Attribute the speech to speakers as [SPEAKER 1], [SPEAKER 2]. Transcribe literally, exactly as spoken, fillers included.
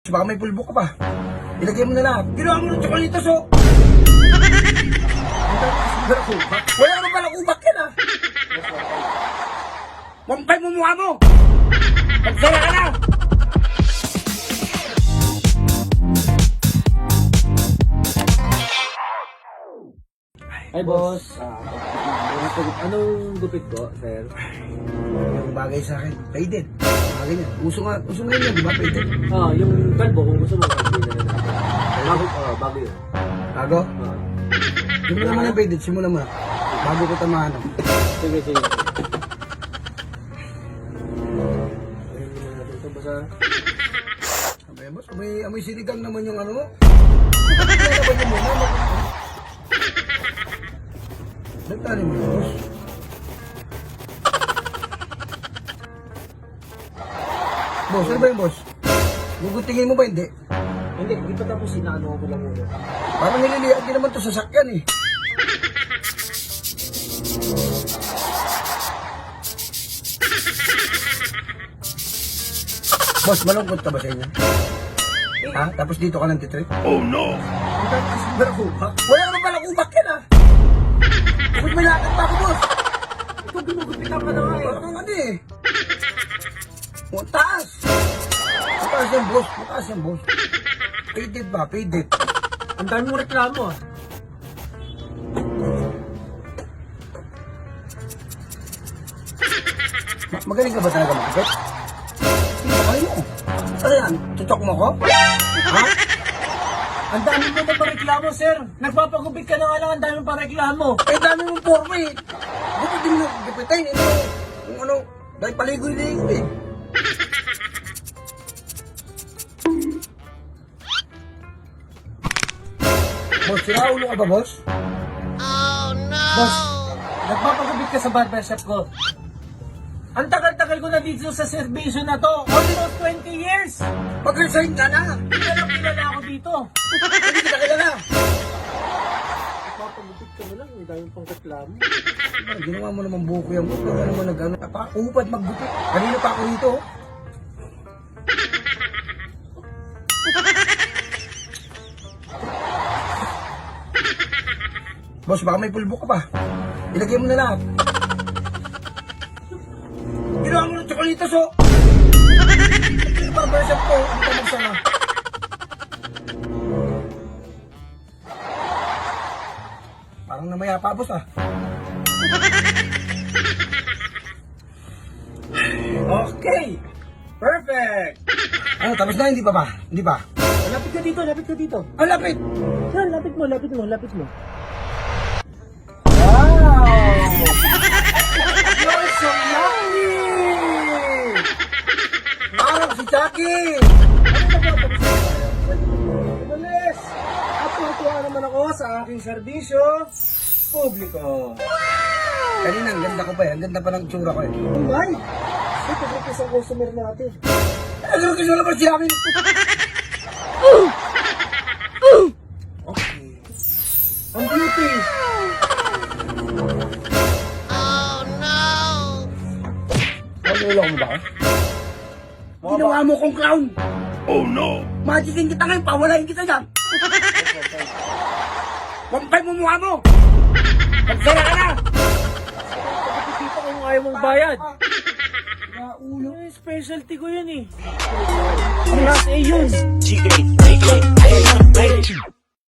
[SPEAKER 1] Baka may pulbo ka pa. Ilagay mo na lahat. Ginawa mo ng tsokolitos, oh. Wala naman pala kubak yan, ah. Wampay mo mukha mo. Magsara ka na.
[SPEAKER 2] Hi, boss. Ah, anong gupit ko, sir?
[SPEAKER 1] Yung bagay sa akin, faded. Mga ganyan. Uso nga, uso nga yun, di ba, faded?
[SPEAKER 2] Ah, yung kalbo, kung gusto mo, kalbo na lang. Bago, ah, bago yun.
[SPEAKER 1] Bago?
[SPEAKER 2] Ah.
[SPEAKER 1] Simulan mo na faded, simulan mo na. Bago ko tamahan.
[SPEAKER 2] Sige, sige. Ayun muna natin ito, basta.
[SPEAKER 1] Abay, boss, amoy, amoy sinigang naman yung ano mo. Kaya naman yung muna. Nagtali mo, boss. Boss, ano ba yung boss? Gugutingin mo ba hindi?
[SPEAKER 2] Hindi, hindi pa tapos inaano ko lang muna.
[SPEAKER 1] Parang nililihan din naman ito sa sakyan eh. Boss, malungkot ka ba sa inyo? Ha? Tapos dito ka lang titrip? Oh no! Ang dami kasi ba kubak? Wala naman pala kubak yan ah! Bakit may lakad pa ako, boss?
[SPEAKER 2] Ito, ginugupitan ka na nga eh.
[SPEAKER 1] Parang ano eh. Mataas! Mataas yan, boss. Mataas yan, boss. Faded ba? Faded.
[SPEAKER 2] Ang dami mo reklamo ah.
[SPEAKER 1] Ma magaling ka ba talaga makikit? Hindi ba kayo? Ano yan? Tutok mo ko? Ha?
[SPEAKER 2] Ang dami mo na pa-reklamo, sir. Nagpapagupit ka na nga lang, ang dami pa reklamo.
[SPEAKER 1] Eh, dami mong forma eh. Gupit din mo, gupitain. Ito, kung ano, dahil paligoy-ligoy eh. Boss, sira ulo ka ba, boss?
[SPEAKER 2] Boss, nagpapagupit ka sa barbershop ko. Ang tagal-tagal ko na dito sa servisyo na to. Almost twenty years.
[SPEAKER 1] Mag-resign ka na.
[SPEAKER 2] Kilala kilala ako dito.
[SPEAKER 1] Hindi kita kilala.
[SPEAKER 2] Nagpapagupit ka na lang, ang dami pang reklamo.
[SPEAKER 1] Ay, ginawa mo naman buko yan, boss. Wala naman nag-ano. Napaka-upad maggupit. Kanina pa ako rito. oh. Boss, baka may pulbo ka pa. Ilagay mo na lahat. Ginawa mo ng tsokolitos, oh. Barbershop ko, hindi ka magsama. Parang namaya pa, boss, ah.
[SPEAKER 2] Okay. Perfect.
[SPEAKER 1] Ano, tapos na, hindi pa ba? Hindi pa?
[SPEAKER 2] Lapit ka dito, lapit ka dito.
[SPEAKER 1] Ang lapit!
[SPEAKER 2] Yan, lapit mo, lapit mo, lapit mo. Wow! You're so lucky!
[SPEAKER 1] Parang si Chucky!
[SPEAKER 2] Umalis! At tuwa naman ako sa aking serbisyo publiko.
[SPEAKER 1] Kanina, ang ganda ko pa eh. Ang ganda pa ng tsura ko eh.
[SPEAKER 2] Oh my! Ito po isang customer natin.
[SPEAKER 1] Ano ko kasi wala pa si akin?
[SPEAKER 2] Okay. Ang beauty!
[SPEAKER 1] Nalulok mo ba ako? Ginawa mo kong clown! Oh no! Magikin kita ngayon, pawalain kita dyan! Wampay mo mukha mo! Magsara ka na!
[SPEAKER 2] Pagkikita kung ayaw mong bayad.
[SPEAKER 1] Naulo.
[SPEAKER 2] Eh, specialty ko yun eh. Ang last A yun.